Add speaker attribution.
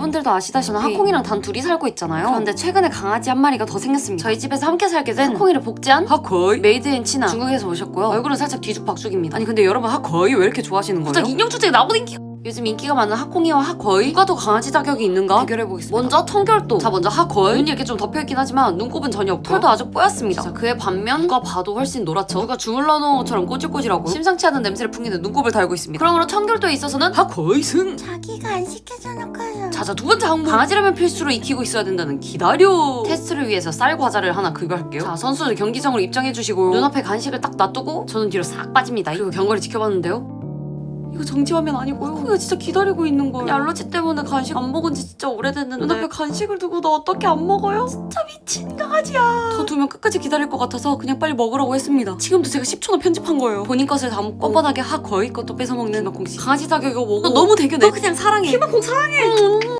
Speaker 1: 여러분들도 아시다시피 저는 하콩이랑 단 둘이 살고 있잖아요. 그런데 최근에 강아지 한 마리가 더 생겼습니다. 저희 집에서 함께 살게 된 하콩이를 복제한 하코이 메이드 인 치나 중국에서 오셨고요. 얼굴은 살짝 뒤죽박죽입니다. 아니 근데 여러분 하코이 왜 이렇게 좋아하시는 거예요? 갑자기 인형 주제에 나보다 요즘 인기가 많은 하콩이와 하코이 누가 더 강아지 자격이 있는가 대결해보겠습니다. 먼저 청결도. 자 먼저 하코이. 눈이 이렇게 좀 덮여있긴 하지만 눈곱은 전혀 없고 털도 아주 뽀얗습니다. 자 그에 반면 누가 봐도 훨씬 노랗죠. 누가 주물러 놓은 것처럼 꼬질꼬질하고 심상치 않은 냄새를 풍기는 눈곱을 달고 있습니다. 그러므로 청결도에 있어서는 하코이 승.
Speaker 2: 자기가 안 시켜줘놓고서.
Speaker 1: 자자 두 번째 항목. 강아지라면 필수로 익히고 있어야 된다는 기다려. 테스트를 위해서 쌀 과자를 하나 급여할게요. 자 선수들 경기장으로 입장해주시고 눈앞에 간식을 딱 놔두고 저는 뒤로 싹 빠집니다. 그리고 경과를 지켜봤는데요. 이거 정지화면 아니고요. 코가 진짜 기다리고 있는 거예요. 알러지 때문에 간식 안 먹은 지 진짜 오래됐는데 눈앞에 간식을 두고 너 어떻게 안 먹어요? 진짜 미친 강아지야. 더 두면 끝까지 기다릴 것 같아서 그냥 빨리 먹으라고 했습니다. 지금도 제가 10초나 편집한 거예요. 본인 것을 다 먹고 뻔뻔하게 하 거의 것도 뺏어먹는 김학콩 씨. 강아지 자격이고 뭐고 너 너무 대견해. 너 그냥 사랑해. 김학콩 사랑해.